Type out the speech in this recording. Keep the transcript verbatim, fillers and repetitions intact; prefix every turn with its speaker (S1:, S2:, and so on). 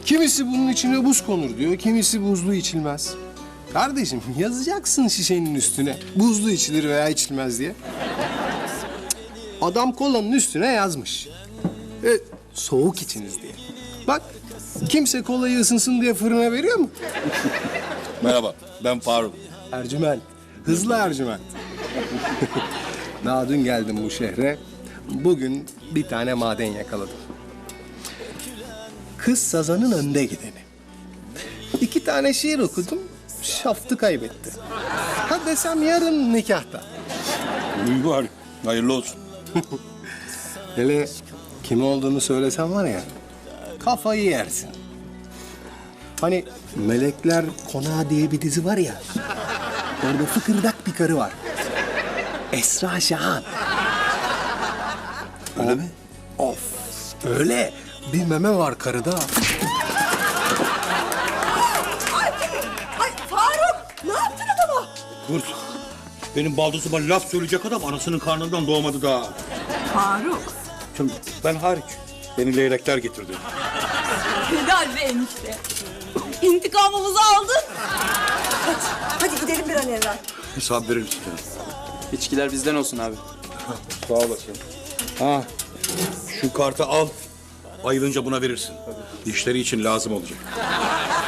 S1: Kimisi bunun içine buz konur diyor, kimisi buzlu içilmez. Kardeşim yazacaksın şişenin üstüne buzlu içilir veya içilmez diye. Adam kolanın üstüne yazmış. E, soğuk içiniz diye. Bak kimse kolayı ısınsın diye fırına veriyor mu?
S2: Merhaba, ben Faruk.
S1: Ercüment, hızlı Ercüment. Daha dün geldim bu şehre. Bugün bir tane maden yakaladım. Kız sazanın önde gideni. İki tane şiir okudum, şaftı kaybetti. Ha desem yarın nikahta.
S2: İyi var, hayırlı olsun.
S1: Hele kim olduğunu söylesem var ya, kafayı yersin. Hani Melekler Konağı diye bir dizi var ya, orada fıkırdak bir karı var. Esra Şahan.
S2: Öyle mi?
S1: Of, öyle. Bir meme var karıda.
S3: Ay Faruk, ne yaptın adama?
S2: Kurt, benim baldızıma laf söyleyecek adam anasının karnından doğmadı daha.
S3: Faruk.
S2: Şimdi ben hariç, beni leylekler getirdi.
S3: Helal be enişte. İntikamımızı aldın. Hadi, hadi gidelim bir an evvel.
S2: Hesap verir misin?
S4: İçkiler bizden olsun abi.
S2: Sağ olasın. Ha, şu kartı al. Ayrılınca buna verirsin. İşleri için lazım olacak.